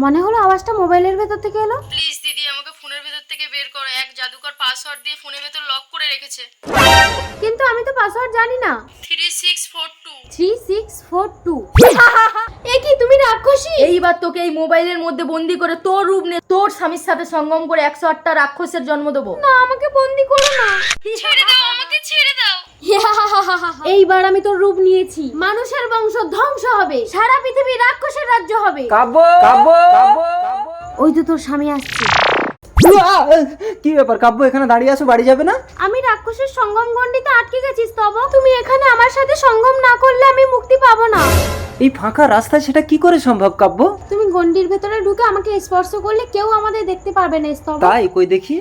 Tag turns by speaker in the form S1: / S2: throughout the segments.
S1: মনে হলো আওয়াজটা মোবাইলের ভেতর থেকে এলো।
S2: প্লিজ দিদি আমাকে ফোনের ভেতর থেকে বের করো। এক জাদুকর পাসওয়ার্ড দিয়ে ফোনের ভেতর লক করে রেখেছে।
S1: কিন্তু আমি তো পাসওয়ার্ড জানি না।
S2: 3642।
S1: 3642 এ কি তুমি রাক্ষসী?
S3: এইবার তোকে এই মোবাইলের মধ্যে বন্দি করে তোর রূপ নিয়ে তোর স্বামীর সাথে সঙ্গম করে 108টা রাক্ষসের জন্ম দেবো।
S1: না, আমাকে বন্দি করো না।
S2: ছেড়ে দাও আমাকে, ছেড়ে দাও।
S1: এইবার আমি তোর রূপ নিয়েছি। মানুষের বংশ ধ্বংস হবে, সারা পৃথিবী রাক্ষসের রাজ্য হবে।
S4: কাব্য কাব্য
S1: ওই তো তোর স্বামী আসছে।
S4: কি ব্যাপার কাব্য, এখানে দাঁড়িয়ে আছো, বাড়ি যাবে না?
S1: আমি রাক্ষসের সঙ্গম গণ্ডিতে আটকে গেছি স্তব। তুমি এখানে আমার সাথে সঙ্গম না করলে আমি মুক্তি পাবো না।
S4: এই ফাঁকা রাস্তায় সেটা কি করে সম্ভব কাব্য?
S1: তুমি গণ্ডির ভেতরে ঢুকে আমাকে স্পর্শ করলে কেউ আমাদের দেখতে পারবে না স্তব।
S4: তাই কই দেখি।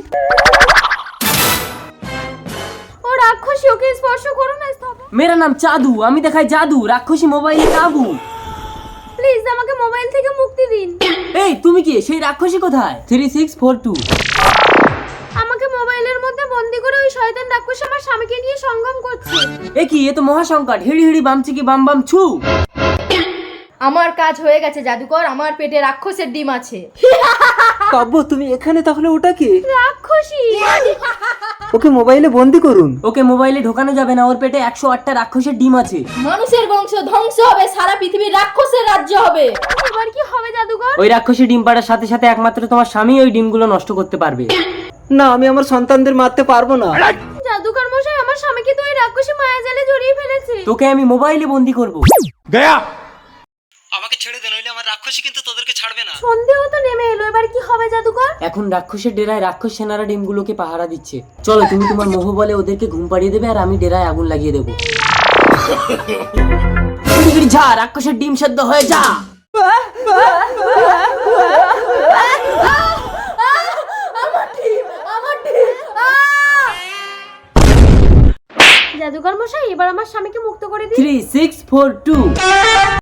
S1: ও রাক্ষসী, ওকে স্পর্শ করো না স্তব।
S5: मेरा नाम चादू, আমি দেখাই জাদু, রাক্ষসী মোবাইলে কাবু।
S1: প্লিজ আমাকে মোবাইল থেকে মুক্তি দিন।
S5: এই তুমি কি সেই রাক্ষসী কোথায়? 3642।
S1: আমাকে মোবাইলের মধ্যে বন্দি করে ওই শয়তান রাক্ষস আমার স্বামীকে নিয়ে সঙ্গম করছে।
S5: এ কি, এ তো মহাসংকট। হিড়ি হিড়ি বামচিকি বাম বাম ছু।
S3: আমার কাজ হয়ে গেছে জাদুকর, আমার পেটে রাক্ষসের ডিম আছে।
S4: কাব্য তুমি এখানে, তাহলে ওটা কি?
S1: রাক্ষসী।
S4: ওকে মোবাইলে বন্দি করুন।
S5: ওকে মোবাইলে ঢোকানো যাবে না, ওর পেটে 108টা রাক্ষসের ডিম আছে।
S3: মানুষের বংশ ধ্বংস হবে, সারা পৃথিবী রাক্ষসের রাজ্য হবে।
S1: এবার কি হবে জাদুকর?
S5: ওই রাক্ষসী ডিম পাড়ার সাথে সাথে একমাত্র তোমার স্বামী ওই ডিমগুলো নষ্ট করতে পারবে।
S4: না, আমি আমার সন্তানদের মারতে পারবো না।
S1: জাদুকর মশাই, আমার স্বামীকে তো ওই রাক্ষসী মায়াজালে জড়িয়ে ফেলেছে।
S5: তোকে আমি মোবাইলে বন্দি করব।
S4: আমাকে ছেড়ে দে, নইলে আমার রাক্ষসী কিন্তু তোদেরকে ছাড়বে না।
S1: সন্দেহ তো নেমে এলো, এবার কি হবে জাদুকর?
S5: এখন রাক্ষসের ডেরায় রাক্ষস সেনারা ডিমগুলোকে পাহারা দিচ্ছে। চলো, তুমি তোমার মোহ বলে ওদেরকে ঘুম পাড়িয়ে দেবে আর আমি ডেরায় আগুন লাগিয়ে দেবো। যা, রাক্ষসের ডিম সেদ্ধ হয়ে যা।
S1: জাদুকর মশাই, এবার আমার স্বামীকে মুক্ত করে দিন।
S5: 3642।